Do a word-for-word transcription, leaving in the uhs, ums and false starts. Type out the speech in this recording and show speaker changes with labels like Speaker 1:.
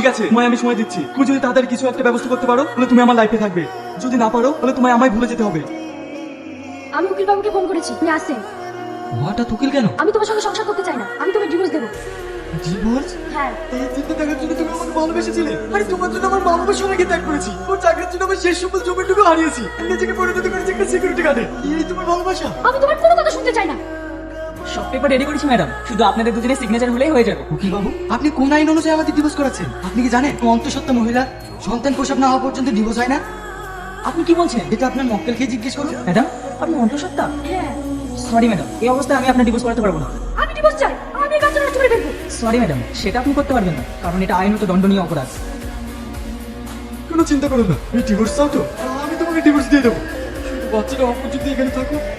Speaker 1: আছে তোমায় আমি সময় দিচ্ছি। তুমি যদি তাড়াতাড়ি কিছু একটা ব্যবস্থা করতে পারো তাহলে তুমি আমার লাইফে থাকবে, যদি না পারো তাহলে তোমায় আমায় ভুলে যেতে হবে।
Speaker 2: আমি উকিল বাবুকে ফোন করেছি, তুমি আসছেন।
Speaker 1: হঠাৎ উকিল কেন?
Speaker 2: আমি তোমার সঙ্গে সংসার করতে চাই না, আমি তোমাকে ডিভোর্স দেবো।
Speaker 1: ডিভোর্স?
Speaker 2: হ্যাঁ।
Speaker 1: এই চিন্তা দেখার জন্য তুমি আমাকে ভালোবেসেছিলে? আরে তোমার জন্য আমার মা বাবার সবাইকে ত্যাগ করেছি, ওর চাকরির জন্য আমার শেষ সম্বল জমিটুকু হারিয়েছি, নিজেকে পরিণত করেছি একটা সিকিউরিটি গার্ডে। এই তোমার ভালোবাসা?
Speaker 2: আমি তোমার কোনো কথা শুনতে চাই না।
Speaker 3: সব পেপার রেডি করেছি ম্যাডাম, শুধু আপনাদের দুজনের সিগনেচার হলেই হয়ে যাবে।
Speaker 1: উকিল বাবু, আপনি কোন আইন অনুযায়ী আমাদের ডিভোর্স করাচ্ছেন? আপনি কি জানেন অন্তঃসত্ত্বা মহিলা সন্তান প্রসব না হওয়া পর্যন্ত ডিভোর্স হয় না?
Speaker 3: আপনি কি বলছেন?
Speaker 1: এটা আপনার মক্কেলকে জিজ্ঞেস করুন।
Speaker 3: ম্যাডাম আপনি অন্তঃসত্ত্বা?
Speaker 2: হ্যাঁ।
Speaker 3: সরি ম্যাডাম, এই অবস্থায় আমি আপনার ডিভোর্স করাতে পারবো না।
Speaker 2: আমি ডিভোর্স চাই, আমি এই কাজটা নষ্ট করে ফেলবো।
Speaker 3: সরি ম্যাডাম, সেটা আপনি করতে পারবেন না, কারণ এটা আইনত দণ্ডনীয় অপরাধ।
Speaker 1: কোনো চিন্তা করুন না, এই ডিভোর্স চাও তো আমি তোমাকে ডিভোর্স দিয়ে দেবো, শুধু বাচ্চাটা অপর যদি এখানে থাকো